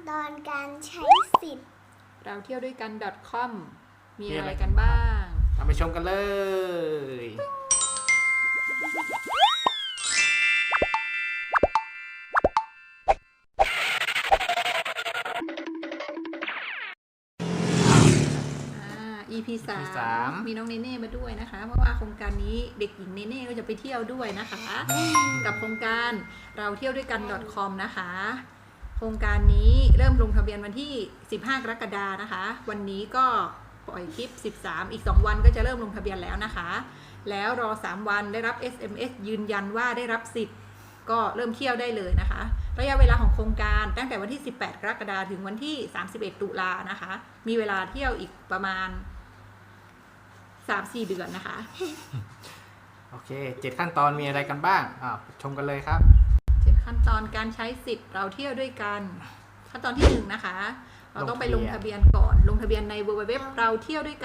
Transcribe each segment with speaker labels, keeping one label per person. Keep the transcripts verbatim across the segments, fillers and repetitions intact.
Speaker 1: ตอนการใช้สิทธิ์
Speaker 2: เราเที่ยวด้วยกัน .com มีอะไรกันบ้าง
Speaker 3: ทำไปชมกันเลย
Speaker 2: อี พี สาม มีน้องเนเน่มาด้วยนะคะเพราะว่าโครงการนี้เด็กหญิงเนเน่ก็จะไปเที่ยวด้วยนะคะ กับโครงการเราเที่ยวด้วยกัน .com นะคะ โครงการนี้เริ่มลงทะเบียนวันที่สิบห้ากรกฎาคมนะคะวันนี้ก็ปล่อยคลิปสิบสามอีกสองวันก็จะเริ่มลงทะเบียนแล้วนะคะแล้วรอสามวันได้รับ เอส เอ็ม เอส ยืนยันว่าได้รับสิทธิ์ก็เริ่มเที่ยวได้เลยนะคะระยะเวลาของโครงการตั้งแต่วันที่สิบแปดกรกฎาคมถึงวันที่สามสิบเอ็ดตุลานะคะมีเวลาเที่ยวอีกประมาณ สามสี่ เดือนนะคะ
Speaker 3: โอเคเจ็ดขั้นตอนมีอะไรกันบ้างอ่าชมกันเลยครับ
Speaker 2: เจ็ดขั้นตอนการใช้สิทธิ์เราเที่ยวด้วยกันขั้นตอนที่หนึ่งนะคะเราต้องไปลงทะเบียนก่อนลงทะเบียนใน ดับเบิลยู ดับเบิลยู ดับเบิลยู ดับเบิลยู เราเที่ยวด้วยกัน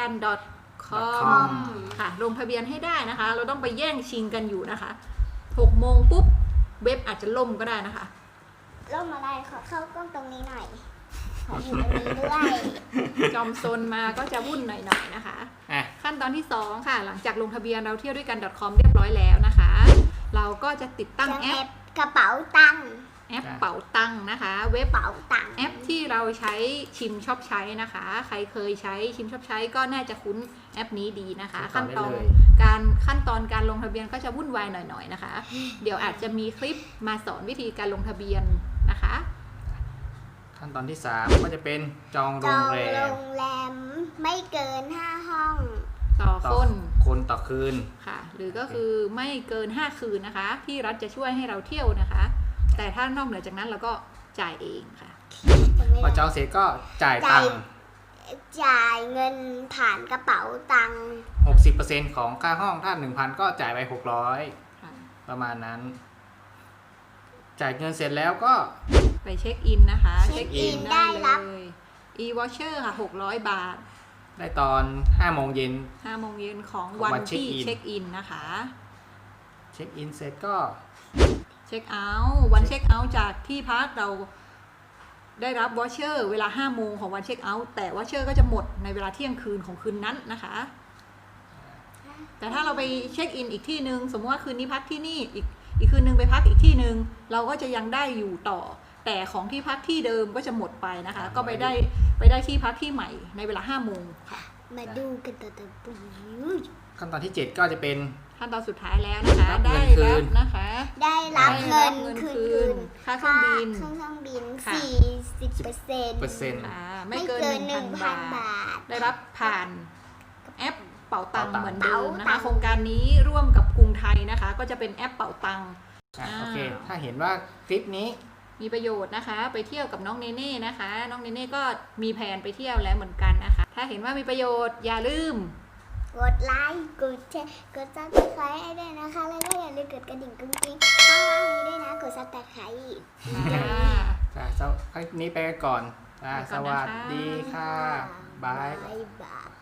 Speaker 2: .com ค่ะลงทะเบียนให้ได้นะคะเราต้องไปแย่งชิงกันอยู่นะคะหกโมงปุ๊บเว็บอาจจะล่มก็ได้นะคะ
Speaker 1: ล่มอะไรขอเข้ากล้องตรงนี้หน่อยขออยู่ตรงนี้ด้วย
Speaker 2: จอมซนมาก็จะวุ่นหน่อยๆนะคะขั้นตอนที่สองค่ะหลังจากลงทะเบียนเราเที่ยวด้วยกัน .com เรียบร้อยแล้วนะคะเราก็จะติดตั้งแอป
Speaker 1: กระเป๋าตังค์
Speaker 2: แอปเป๋าตังค์นะคะเว็บ
Speaker 1: เป๋าตังค์
Speaker 2: แอปที่เราใช้ชิมชอบใช้นะคะใครเคยใช้ชิมชอบใช้ก็น่าจะคุ้นแอปนี้ดีนะคะขั้นตอนการขั้นตอนการลงทะเบียนก็จะวุ่นวายหน่อยๆนะคะเดี๋ยวอาจจะมีคลิปมาสอนวิธีการลงทะเบียนนะคะ
Speaker 3: ขั้นตอนที่สามก็จะเป็นจองโรงแรม
Speaker 1: จองโรงแรมไม่เกินห้าห้อง
Speaker 2: ต่อคน
Speaker 3: คนต่อคืน
Speaker 2: ค่ะหรือก็คือไม่เกินห้าคืนนะคะที่รัฐจะช่วยให้เราเที่ยวนะคะแต่ถ้านอกเหนือจากนั้นเราก็จ่ายเองค่ะ
Speaker 3: พอจองเสร็จก็จ่ายตังค์
Speaker 1: จ่ายเงินผ่านกระเป๋าตังค์
Speaker 3: หกสิบเปอร์เซ็นต์ ของค่าห้องถ้า หนึ่งพัน ก็จ่ายไปหกร้อยประมาณนั้นจ่ายเงินเสร็จแล้วก็
Speaker 2: ไปเช็คอินนะคะ
Speaker 1: เช็คอินได้เลย
Speaker 2: e-voucher ค่ะหกร้อยบาท
Speaker 3: ได้ตอนห้าโมงเย็น
Speaker 2: ห้าโมงเย็นของวันที่เช็คอินนะคะ
Speaker 3: เช็คอินเสร็จก็
Speaker 2: เช็คเอาท์วันเช็คเอาท์จากที่พักเราได้รับวอเชอร์เวลาห้าโมงของวันเช็คเอาท์แต่วอเชอร์ก็จะหมดในเวลาเที่ยงคืนของคืนนั้นนะคะแต่ถ้าเราไปเช็คอินอีกที่นึงสมมติว่าคืนนี้พักที่นี่อีกอีกคืนนึงไปพักอีกที่นึงเราก็จะยังได้อยู่ต่อแต่ของที่พักที่เดิมก็จะหมดไปนะคะก็ไปได้ไปได้ที่พักที่ใหม่ในเวลาห้าโมงค่ะ
Speaker 1: มาดูกันต่อต่อไป
Speaker 3: ขั้นตอนที่เจ็ดก็จะเป็น
Speaker 2: ขั้นตอนสุดท้ายแล้วนะคะได้รับนะคะ
Speaker 1: ได้รับเงินคืน
Speaker 2: ค่าเครื่องบิน
Speaker 1: เครื่องบินสี่สิบเปอร์เซ็นต์
Speaker 3: เปอร์เซ็นต์
Speaker 2: ไม่เกินหนึ่งพันบาทได้รับผ่านแอปเป๋าตังเหมือนเดิมนะคะโครงการนี้ร่วมกับกรุงไทยนะคะก็จะเป็นแอปเป๋าตัง
Speaker 3: โอเคถ้าเห็นว่าคลิปนี้
Speaker 2: มีประโยชน์นะคะไปเที่ยวกับน้องเนเน่นะคะน้องเนเน่ก็มีแผนไปเที่ยวแล้วเหมือนกันนะคะถ้าเห็นว่ามีประโยชน์อย่าลืม
Speaker 1: กดไลค์กดแชร์กดซับสไครต์ให้ด้วยนะคะแล้วก็อย่าลืมกดกระดิ่งกุ้งกิ้งข้างล่างนี้ด้วยนะกดซับสไครต์
Speaker 3: จ้าจ้าคลิปนี้ไปก่อนสวัสดีค่ะบาย
Speaker 1: บาย